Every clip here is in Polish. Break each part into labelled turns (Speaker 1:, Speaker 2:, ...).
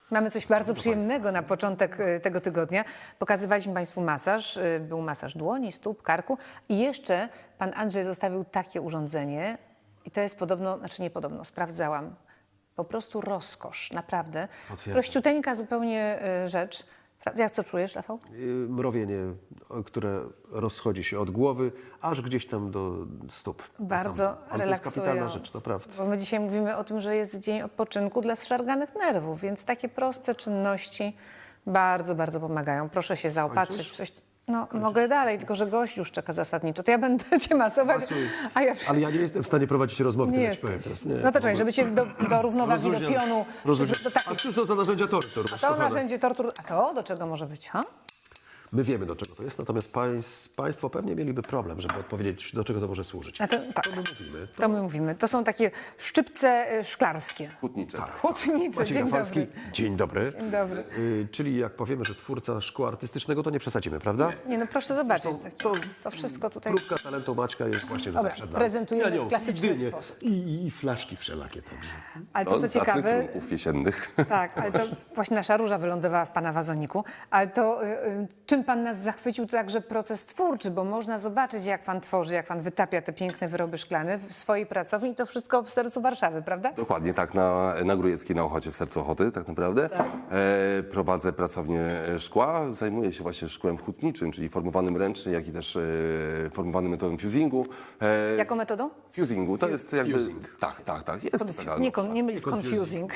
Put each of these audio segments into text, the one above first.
Speaker 1: Mamy coś bardzo przyjemnego na początek tego tygodnia. Pokazywaliśmy Państwu masaż. Był masaż dłoni, stóp, karku i jeszcze pan Andrzej zostawił takie urządzenie i to jest podobno, znaczy nie podobno, sprawdzałam. Po prostu rozkosz, naprawdę.
Speaker 2: Potwierdzam.
Speaker 1: Prościuteńka zupełnie rzecz. Jak co czujesz, Rafał?
Speaker 2: Mrowienie, które rozchodzi się od głowy, aż gdzieś tam do stóp.
Speaker 1: Bardzo
Speaker 2: Ale to jest
Speaker 1: relaksujące.
Speaker 2: kapitalna rzecz, naprawdę.
Speaker 1: Bo my dzisiaj mówimy o tym, że jest dzień odpoczynku dla zszarganych nerwów, więc takie proste czynności bardzo, bardzo pomagają. Proszę się zaopatrzyć w coś. No, mogę dalej, tylko że gość już czeka zasadniczo. To ja będę cię masować, a ja...
Speaker 2: Ale ja nie jestem w stanie prowadzić rozmowy,
Speaker 1: Nie
Speaker 2: tyle ci
Speaker 1: jesteś.
Speaker 2: powiem teraz. Nie,
Speaker 1: No to czekaj, żeby cię do równowagi, do pionu... Do
Speaker 2: A
Speaker 1: takich,
Speaker 2: cóż to za narzędzia tortur?
Speaker 1: to narzędzie tortur... A to do czego może być, ha?
Speaker 2: My wiemy, do czego to jest, natomiast państwo pewnie mieliby problem, żeby odpowiedzieć, do czego to może służyć.
Speaker 1: A to, tak,
Speaker 2: To my mówimy.
Speaker 1: to my mówimy. To są takie szczypce szklarskie.
Speaker 3: Hutnicze.
Speaker 1: Hutnicze.
Speaker 2: Maciej
Speaker 1: Dzień
Speaker 2: Rafalski,
Speaker 1: dobry.
Speaker 2: dzień dobry.
Speaker 1: Dzień dobry.
Speaker 2: Czyli jak powiemy, że twórca szkła artystycznego, to nie przesadzimy, prawda?
Speaker 1: Nie, no proszę zobaczyć.
Speaker 2: To-
Speaker 1: To wszystko tutaj...
Speaker 2: Próbka talentu Maćka jest właśnie
Speaker 1: Dobra,
Speaker 2: tutaj przed nami.
Speaker 1: prezentujemy
Speaker 2: Ja nią
Speaker 1: w klasyczny
Speaker 2: dynie
Speaker 1: sposób.
Speaker 2: I flaszki wszelakie także.
Speaker 1: Ale to, co
Speaker 3: z zacnych
Speaker 1: ciekawe...
Speaker 3: trunków jesiennych.
Speaker 1: Tak, ale to właśnie nasza róża wylądowała w pana wazoniku. Ale to czym pan nas zachwycił, to także proces twórczy, bo można zobaczyć, jak pan tworzy, jak pan wytapia te piękne wyroby szklane w swojej pracowni i to wszystko w sercu Warszawy, prawda?
Speaker 3: Dokładnie tak, na Grójeckiej, na Ochocie, w sercu Ochoty tak naprawdę. Prowadzę pracownię szkła, zajmuję się właśnie szkłem hutniczym, czyli formowanym ręcznie, jak i też formowanym metodą fusingu.
Speaker 1: Jaką metodą?
Speaker 3: Fusingu, to jest jakby...
Speaker 2: Fusing.
Speaker 3: Tak, jest to taka...
Speaker 1: Nie mylić z confusing.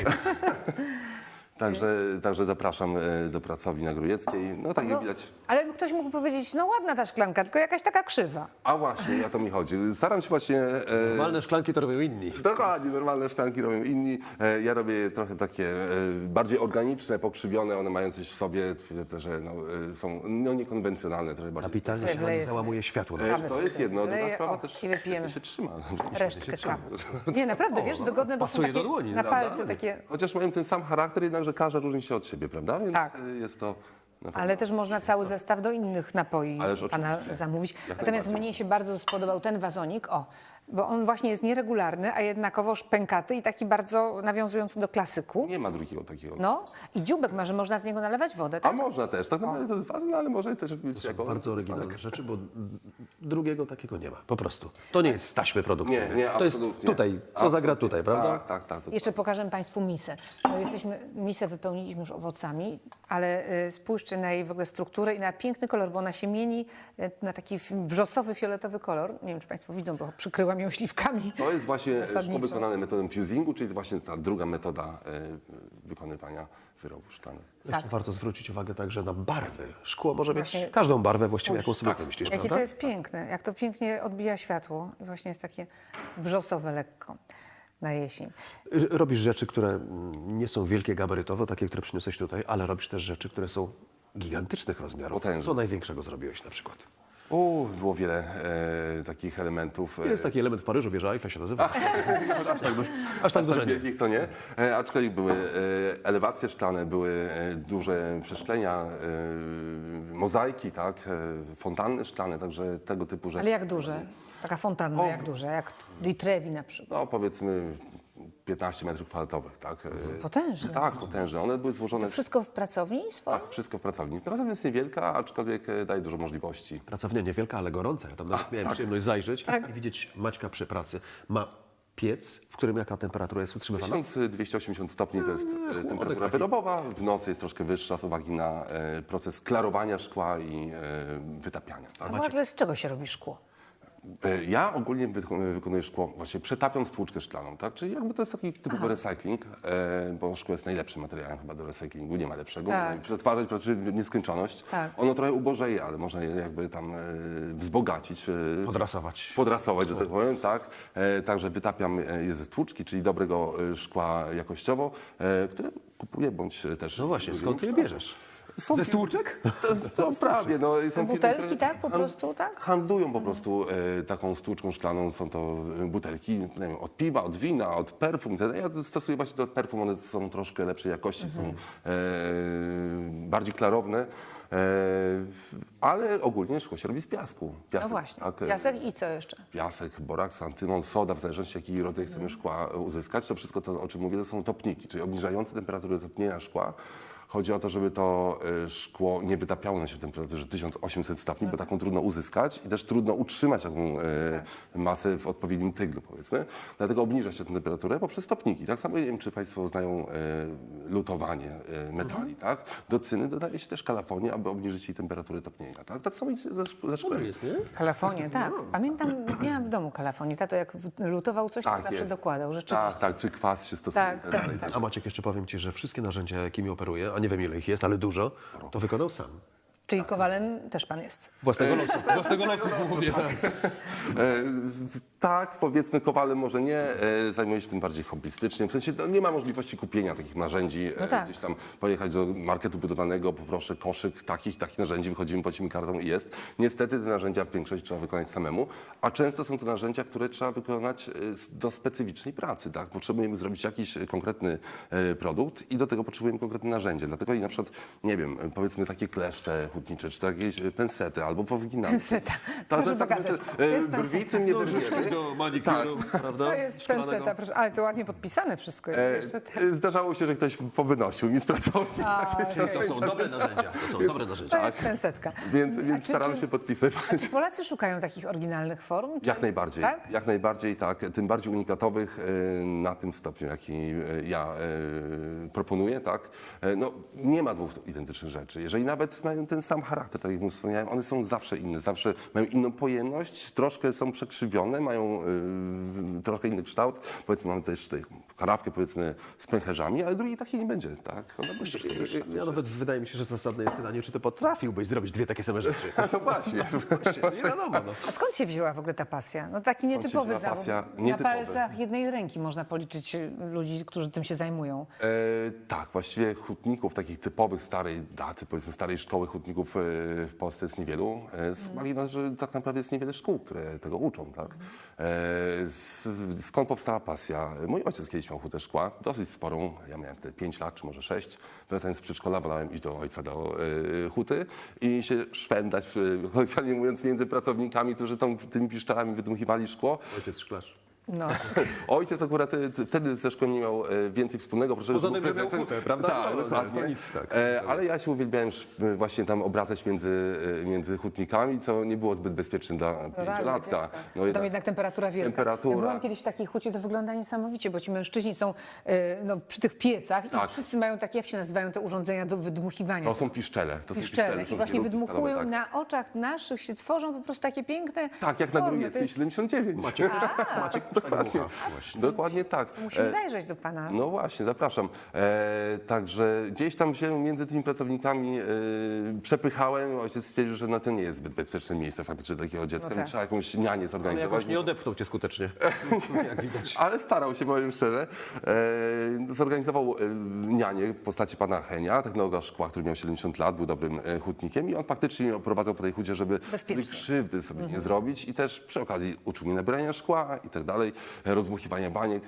Speaker 3: Także zapraszam do pracowni na Grójeckiej. No tak jak widać.
Speaker 1: Ale ktoś mógł powiedzieć, no ładna ta szklanka, tylko jakaś taka krzywa.
Speaker 3: A właśnie, o to mi chodzi. Staram się właśnie...
Speaker 2: Normalne szklanki to robią inni.
Speaker 3: Dokładnie, normalne szklanki robią inni. Ja robię trochę takie bardziej organiczne, pokrzywione, one mają coś w sobie, twierdzę, że są niekonwencjonalne, trochę bardziej.
Speaker 2: Kapitalnie się
Speaker 1: Wleje
Speaker 2: załamuje światło.
Speaker 1: Kawy
Speaker 3: To jest
Speaker 1: sobie
Speaker 3: jedno, druga
Speaker 1: wleję,
Speaker 3: sprawa
Speaker 1: o,
Speaker 3: też
Speaker 1: i wypijemy.
Speaker 3: się trzyma.
Speaker 1: Resztkę kawy. Nie, naprawdę, wiesz, wygodne, bo są
Speaker 2: pasuje do
Speaker 1: takie
Speaker 2: dłoni,
Speaker 1: na
Speaker 2: prawda?
Speaker 1: palce takie...
Speaker 3: Chociaż mają ten sam charakter, jednakże każda różni się od siebie, prawda? Więc
Speaker 1: Tak.
Speaker 3: jest to... na pewno-
Speaker 1: Ale też można cały zestaw do innych napoi
Speaker 3: Ależ
Speaker 1: pana
Speaker 3: oczywiście.
Speaker 1: zamówić.
Speaker 3: Jak
Speaker 1: Natomiast
Speaker 3: najbardziej.
Speaker 1: mnie się bardzo spodobał ten wazonik, bo on właśnie jest nieregularny, a jednakowoż pękaty i taki bardzo nawiązujący do klasyku.
Speaker 3: Nie ma drugiego takiego.
Speaker 1: No i dzióbek ma, że można z niego nalewać wodę,
Speaker 3: A
Speaker 1: tak?
Speaker 3: można też, tak naprawdę to jest wazon, ale może też być jako...
Speaker 2: Bardzo oryginalne rzeczy, bo drugiego takiego nie ma. Po prostu. To nie jest z taśmy produkcyjnej.
Speaker 3: Nie,
Speaker 2: to jest
Speaker 3: absolutnie.
Speaker 2: tutaj, co zagra
Speaker 3: Absolutnie.
Speaker 2: tutaj, prawda?
Speaker 3: Tak.
Speaker 1: Jeszcze pokażę Państwu misę. Misę wypełniliśmy już owocami, ale spójrzcie na jej w ogóle strukturę i na piękny kolor, bo ona się mieni na taki wrzosowy, fioletowy kolor. Nie wiem, czy Państwo widzą, bo przykryłam ją śliwkami.
Speaker 3: To jest właśnie szkło
Speaker 1: Zasadniczo.
Speaker 3: wykonane metodą fusingu, czyli właśnie ta druga metoda wykonywania wyrobów szklanych.
Speaker 2: Jeszcze warto zwrócić uwagę także na barwy. Szkło może mieć
Speaker 1: Właśnie-
Speaker 2: każdą barwę właściwie, jaką sobie
Speaker 3: tak.
Speaker 2: wymyślisz,
Speaker 1: Jakie
Speaker 2: prawda?
Speaker 1: to jest piękne, jak to pięknie odbija światło i właśnie jest takie wrzosowe lekko na jesień.
Speaker 2: Robisz rzeczy, które nie są wielkie gabarytowo, takie, które przyniosłeś tutaj, ale robisz też rzeczy, które są gigantycznych rozmiarów.
Speaker 3: Potężne.
Speaker 2: Co największego zrobiłeś na przykład?
Speaker 3: Było wiele takich elementów.
Speaker 2: Jest taki element w Paryżu, wieża Eiffla się nazywa.
Speaker 3: Aż
Speaker 2: tak dużo nie.
Speaker 3: wielkich to nie. Aczkolwiek były elewacje szklane, były duże przeszklenia, mozaiki, tak, fontanny szklane, także tego typu rzeczy.
Speaker 1: Ale jak duże? Taka fontanna, jak duże? Jak Di Trevi na przykład.
Speaker 3: No powiedzmy 15 metrów kwadratowych, tak.
Speaker 1: Potężne.
Speaker 3: Tak, potężne. One były złożone...
Speaker 1: Wszystko w pracowni swojej?
Speaker 3: Tak, wszystko w pracowni. Pracownia jest niewielka, aczkolwiek daje dużo możliwości.
Speaker 2: Pracownia niewielka, ale gorąca. Ja tam nawet miałem przyjemność zajrzeć i widzieć Maćka przy pracy. Ma piec, w którym jaka temperatura jest utrzymywana?
Speaker 3: 1280 stopni to jest temperatura wyrobowa. W nocy jest troszkę wyższa z uwagi na proces klarowania szkła i wytapiania.
Speaker 1: A w ogóle z czego się robi szkło?
Speaker 3: Ja ogólnie wykonuję szkło, właśnie przetapiam stłuczkę szklaną, tak? Czyli jakby to jest taki typowy recykling, bo szkło jest najlepszym materiałem chyba do recyklingu, nie ma lepszego.
Speaker 1: Tak.
Speaker 3: Przetwarzać znaczy nieskończoność.
Speaker 1: Tak.
Speaker 3: Ono trochę ubożeje, ale można je jakby tam wzbogacić.
Speaker 2: Podrasować.
Speaker 3: Że tak powiem, tak. Także wytapiam je ze stłuczki, czyli dobrego szkła jakościowo, które kupuję bądź też...
Speaker 2: No właśnie, skąd ty je bierzesz? Ze stłuczek?
Speaker 3: To prawie, no. Są firmy,
Speaker 1: Butelki,
Speaker 3: które
Speaker 1: tak? Po prostu, tak?
Speaker 3: handlują po prostu taką stłuczką szklaną. Są to butelki, nie wiem, od piwa, od wina, od perfum. Ja stosuję właśnie do perfum, one są troszkę lepszej jakości, są bardziej klarowne. Ale ogólnie szkło się robi z piasku.
Speaker 1: No
Speaker 3: Piasek,
Speaker 1: właśnie.
Speaker 3: tak,
Speaker 1: Piasek i co jeszcze?
Speaker 3: piasek, boraks, antymon, soda, w zależności jaki rodzaj chcemy szkła uzyskać. To wszystko, to, o czym mówię, to są topniki, czyli obniżające temperaturę topnienia szkła. Chodzi o to, żeby to szkło nie wytapiało się w temperaturze 1800 stopni, bo taką trudno uzyskać i też trudno utrzymać taką masę w odpowiednim tyglu, powiedzmy. Dlatego obniża się tę temperaturę poprzez topniki. Tak samo, nie wiem, czy Państwo znają lutowanie metali, tak? Do cyny dodaje się też kalafonię, aby obniżyć jej temperaturę topnienia, tak? Tak samo i ze szkłem.
Speaker 2: Jest, nie?
Speaker 1: Kalafonie, tak. Pamiętam, miałam w domu kalafonię. Tato jak lutował coś, to
Speaker 3: Tak
Speaker 1: zawsze
Speaker 3: jest.
Speaker 1: dokładał, rzeczywiście.
Speaker 3: Tak, tak, czy kwas się stosuje.
Speaker 1: Tak, tak, tak.
Speaker 2: A Maciek, jeszcze powiem Ci, że wszystkie narzędzia, jakimi operuję, a nie wiem ile ich jest, ale dużo, to wykonał sam.
Speaker 1: Czyli kowalem też pan jest.
Speaker 2: Własnego losu. Własnego losu, mówię.
Speaker 3: Tak, powiedzmy kowalem może nie, zajmuję się tym bardziej hobbystycznie. W sensie no, nie ma możliwości kupienia takich narzędzi,
Speaker 1: No tak.
Speaker 3: gdzieś tam pojechać do marketu budowanego, poproszę koszyk takich narzędzi, wychodzimy, płacimy kartą i jest. Niestety te narzędzia w większości trzeba wykonać samemu, a często są to narzędzia, które trzeba wykonać do specyficznej pracy. Tak? Potrzebujemy zrobić jakiś konkretny produkt i do tego potrzebujemy konkretne narzędzie. Dlatego i na przykład, nie wiem, powiedzmy takie kleszcze hutnicze, czy to jakieś pensety albo powginane.
Speaker 1: Penseta.
Speaker 3: To
Speaker 1: Proszę
Speaker 3: jest tak,
Speaker 1: pokazać. To jest
Speaker 3: brwi
Speaker 1: penseta.
Speaker 3: tym nie wyrwiemy.
Speaker 2: Do manikuru, prawda?
Speaker 1: To jest
Speaker 2: Szklanego.
Speaker 1: penseta, proszę. Ale to ładnie podpisane wszystko jest jeszcze. Tak.
Speaker 3: Zdarzało się, że ktoś powynosił mi z pracowni.
Speaker 2: To są dobre narzędzia. To są dobre narzędzia.
Speaker 1: To jest pensetka.
Speaker 3: Więc
Speaker 1: A
Speaker 3: staram się podpisywać.
Speaker 1: A czy Polacy szukają takich oryginalnych form? Czy...
Speaker 3: Jak najbardziej,
Speaker 1: Tak?
Speaker 3: jak najbardziej tak. Tym bardziej unikatowych na tym stopniu, jaki ja proponuję, tak. No, nie ma dwóch identycznych rzeczy. Jeżeli nawet mają ten sam charakter, tak jak już wspomniałem, one są zawsze inne, zawsze mają inną pojemność, troszkę są przekrzywione, mają trochę inny kształt. Powiedzmy, mamy też tutaj karawkę, powiedzmy, z pęcherzami, ale drugiej takiej nie będzie, tak. Ona będzie
Speaker 2: Ja nawet wydaje mi się, że zasadne jest pytanie, czy ty potrafiłbyś zrobić dwie takie same rzeczy.
Speaker 3: No właśnie.
Speaker 2: Nie wiadomo, no.
Speaker 1: A skąd się wzięła w ogóle ta pasja? No taki nietypowy
Speaker 3: wzięła
Speaker 1: zawód.
Speaker 3: pasja?
Speaker 1: Na
Speaker 3: Nietypowy.
Speaker 1: palcach jednej ręki można policzyć ludzi, którzy tym się zajmują.
Speaker 3: Tak, właściwie hutników takich typowych starej daty, powiedzmy starej szkoły hutników w Polsce jest niewielu. Z uwagi na to, że tak naprawdę jest niewiele szkół, które tego uczą. Tak? Skąd powstała pasja? Mój ojciec kiedyś miał hutę szkła, dosyć sporą, ja miałem wtedy 5 lat czy może 6. Wracając z przedszkola wolałem iść do ojca do huty i się szwendać, kolokwialnie mówiąc, między pracownikami, którzy tymi piszczelami wydmuchiwali szkło.
Speaker 2: Ojciec szklarz.
Speaker 1: No.
Speaker 3: Ojciec akurat wtedy ze szkłem nie miał więcej wspólnego. Proszę,
Speaker 2: Poza
Speaker 3: był
Speaker 2: tym, że miał
Speaker 3: prezesem.
Speaker 2: hutę, prawda?
Speaker 3: Tak,
Speaker 2: No,
Speaker 3: dokładnie.
Speaker 2: to nic, tak.
Speaker 3: Ale ja się uwielbiałem właśnie tam obracać między hutnikami, co nie było zbyt bezpieczne dla pięciolatka. No
Speaker 1: Tam jednak temperatura wielka.
Speaker 3: Temperatura.
Speaker 1: Ja byłam kiedyś w takiej hucie, to wygląda niesamowicie, bo ci mężczyźni są no, przy tych piecach
Speaker 3: Tak.
Speaker 1: i wszyscy mają takie, jak się nazywają te urządzenia do wydmuchiwania.
Speaker 3: To są piszczele. To są
Speaker 1: piszczele.
Speaker 3: są
Speaker 1: I właśnie
Speaker 3: kierunki
Speaker 1: wydmuchują
Speaker 3: stalowe, tak.
Speaker 1: na oczach naszych, się tworzą po prostu takie piękne
Speaker 3: Tak, jak na
Speaker 1: formy. To
Speaker 3: Grujeckiej
Speaker 1: jest...
Speaker 3: 79.
Speaker 2: Maciek tak dmucha.
Speaker 3: Dokładnie tak.
Speaker 1: Musimy zajrzeć do pana.
Speaker 3: No właśnie, zapraszam. Także gdzieś tam się między tymi pracownikami przepychałem. Ojciec stwierdził, że to nie jest zbyt bezpieczne miejsce faktycznie dla takiego dziecka.
Speaker 1: No tak.
Speaker 3: Trzeba jakąś nianię
Speaker 2: Ale
Speaker 3: zorganizować.
Speaker 2: jakoś nie odepchnął cię skutecznie. Jak widać.
Speaker 3: Ale starał się, powiem szczerze. Zorganizował nianię w postaci pana Henia, technologa szkła, który miał 70 lat, był dobrym hutnikiem i on faktycznie mnie oprowadzał po tej hucie, żeby
Speaker 1: Bezpiecznie.
Speaker 3: krzywdy sobie nie zrobić i też przy okazji uczył mnie nabierania szkła i tak dalej, rozmuchiwania baniek.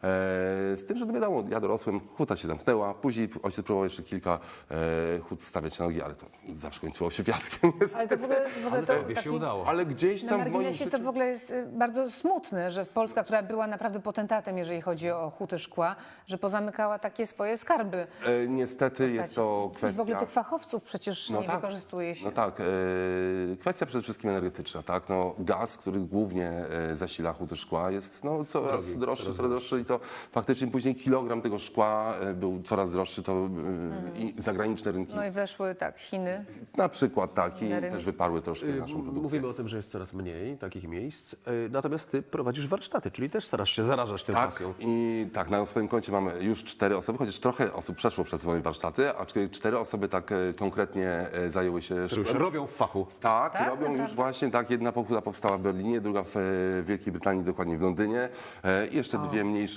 Speaker 3: Z tym, że no wiadomo, ja dorosłem, huta się zamknęła, później ojciec próbował jeszcze kilka hut stawiać na nogi, ale to zawsze kończyło się fiaskiem.
Speaker 1: Ale to w ogóle
Speaker 2: Ale
Speaker 1: to
Speaker 2: tobie się
Speaker 1: taki...
Speaker 2: udało.
Speaker 3: Ale gdzieś
Speaker 1: Na
Speaker 3: tam w moim
Speaker 1: marginesie
Speaker 3: życiu...
Speaker 1: to w ogóle jest bardzo smutne, że Polska, która była naprawdę potentatem, jeżeli chodzi o huty szkła, że pozamykała takie swoje skarby.
Speaker 3: Niestety jest to
Speaker 1: I w ogóle
Speaker 3: kwestia...
Speaker 1: tych fachowców przecież nie wykorzystuje się.
Speaker 3: No tak, kwestia przede wszystkim energetyczna, tak? No, gaz, który głównie zasila huty szkła jest no, coraz droższy i to faktycznie później kilogram tego szkła był coraz droższy, to i zagraniczne rynki
Speaker 1: No i weszły tak Chiny.
Speaker 3: na przykład tak i
Speaker 1: Na rynku.
Speaker 3: też wyparły troszkę naszą produkcję.
Speaker 2: Mówimy o tym, że jest coraz mniej takich miejsc, natomiast ty prowadzisz warsztaty, czyli też starasz się zarażać tą
Speaker 3: Tak,
Speaker 2: pasją.
Speaker 3: i tak, na swoim koncie mamy już 4 osoby, chociaż trochę osób przeszło przez moje warsztaty, aczkolwiek 4 osoby tak konkretnie zajęły się
Speaker 2: Które już
Speaker 3: szkłem.
Speaker 2: robią w fachu.
Speaker 3: Tak,
Speaker 1: Tak?
Speaker 3: robią
Speaker 1: Naprawdę?
Speaker 3: już właśnie, tak, jedna pokuta powstała w Berlinie, druga w Wielkiej Brytanii, dokładnie w Londynie i jeszcze dwie mniejsze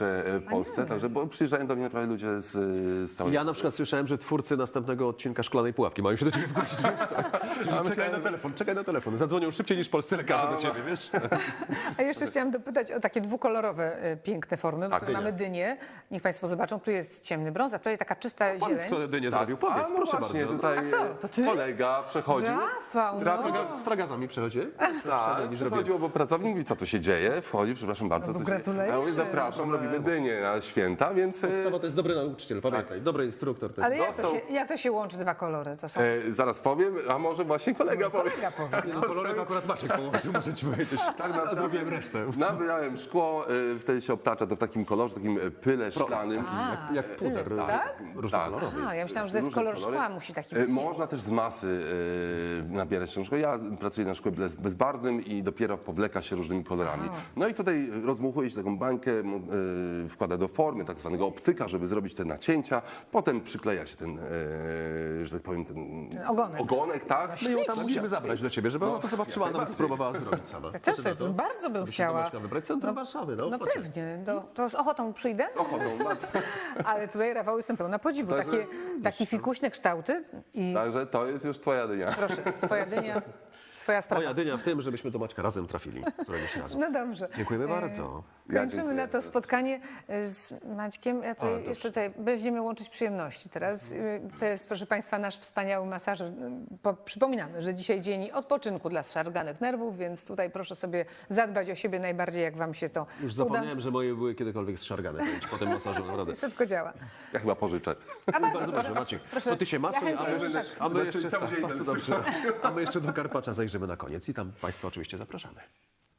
Speaker 3: największe w Polsce, także bo przyjeżdżają do mnie naprawdę ludzie z całej...
Speaker 2: Ja na przykład słyszałem, że twórcy następnego odcinka Szklanej Pułapki mają się do ciebie zgłosić. Wiesz, tak? Czekaj na telefon. Zadzwonią szybciej niż polscy lekarze do ciebie, wiesz?
Speaker 1: A jeszcze chciałam dopytać o takie dwukolorowe, piękne formy.
Speaker 3: Tak,
Speaker 1: Tutaj mamy dynię. Niech Państwo zobaczą, tu jest ciemny brąz, a tutaj taka czysta
Speaker 2: Powiedz,
Speaker 1: zieleń.
Speaker 2: kto dynię zrobił. Powiedz,
Speaker 3: no
Speaker 2: proszę
Speaker 3: właśnie,
Speaker 2: bardzo.
Speaker 3: tutaj
Speaker 1: A kto? To ty?
Speaker 3: kolega przechodził.
Speaker 1: Rafał, no.
Speaker 2: Z tragarzami przechodzi?
Speaker 3: Tak, przechodził obok pracownik, mówi, co tu się dzieje? Wchodzi, przepraszam bardzo.
Speaker 1: No bo
Speaker 3: co się dzieje? A ja mówię,
Speaker 1: gratulacje.
Speaker 3: zapraszam, robimy dynię na święta, więc...
Speaker 2: Podstawa to jest dobry nauczyciel, pamiętaj. Dobry instruktor to
Speaker 1: Ale
Speaker 2: jest.
Speaker 1: jak to się łączy, dwa kolory? To są...
Speaker 3: Zaraz powiem, a może właśnie kolega powie.
Speaker 1: Kolega powie.
Speaker 2: No, kolorek akurat Maciek położył, muszę ci powiedzieć.
Speaker 3: Tak,
Speaker 2: Ja zrobiłem resztę.
Speaker 3: Nabrałem szkło, wtedy się obtacza to w takim kolorze, takim pyle szklanym.
Speaker 2: Jak puder.
Speaker 1: tak?
Speaker 2: Różnokolorowy.
Speaker 1: A, ja myślałam, że to jest
Speaker 3: Różne
Speaker 1: kolor
Speaker 3: kolory.
Speaker 1: szkła, musi taki być.
Speaker 3: Można też z masy nabierać tą szkło. Ja pracuję na szkle bezbarwnym i dopiero powleka się różnymi kolorami. No i tutaj rozmuchuje się taką bańkę, wkłada do formy tak zwanego optyka, żeby zrobić te nacięcia. Potem przykleja się ten, że tak powiem, ten
Speaker 1: Ogonek.
Speaker 3: tak?
Speaker 2: My ją tam musimy zabrać do ciebie, żeby ona to zobaczyła, a nawet spróbowała zrobić sama.
Speaker 1: Ja też coś, bardzo bym chciała.
Speaker 2: Maćka wybrać centrum Warszawy, no.
Speaker 1: No
Speaker 2: chodźcie.
Speaker 1: pewnie, to z ochotą przyjdę.
Speaker 3: Ochotą.
Speaker 1: Ale tutaj, Rafał, jestem pełna podziwu.
Speaker 3: Także-
Speaker 1: Takie fikuśne kształty i
Speaker 3: Także to jest już twoja dynia.
Speaker 1: proszę, twoja dynia, twoja sprawa.
Speaker 2: Moja dynia w tym, żebyśmy do Maćka razem trafili, któregoś razu.
Speaker 1: No dobrze.
Speaker 2: Dziękujemy bardzo.
Speaker 1: Kończymy
Speaker 3: dziękuję.
Speaker 1: na to spotkanie z Maćkiem. Ja tutaj jeszcze tutaj będziemy łączyć przyjemności teraz. To jest, proszę Państwa, nasz wspaniały masażer. Przypominamy, że dzisiaj dzień odpoczynku dla zszarganych nerwów, więc tutaj proszę sobie zadbać o siebie najbardziej, jak Wam się to
Speaker 2: Już
Speaker 1: uda.
Speaker 2: zapomniałem, że moje były kiedykolwiek zszargane. Powiem ci potem masażu, naprawdę.
Speaker 1: Szybko działa.
Speaker 3: Ja chyba pożyczę.
Speaker 1: A
Speaker 2: Bardzo proszę, Maciek.
Speaker 1: proszę.
Speaker 2: To ty się masuj,
Speaker 1: Ja chętnie już tak.
Speaker 2: a my
Speaker 3: Znaczy,
Speaker 2: jeszcze...
Speaker 3: cały dzień
Speaker 2: Bardzo dobrze. A my jeszcze do Karpacza zajrzymy na koniec i tam Państwa oczywiście zapraszamy.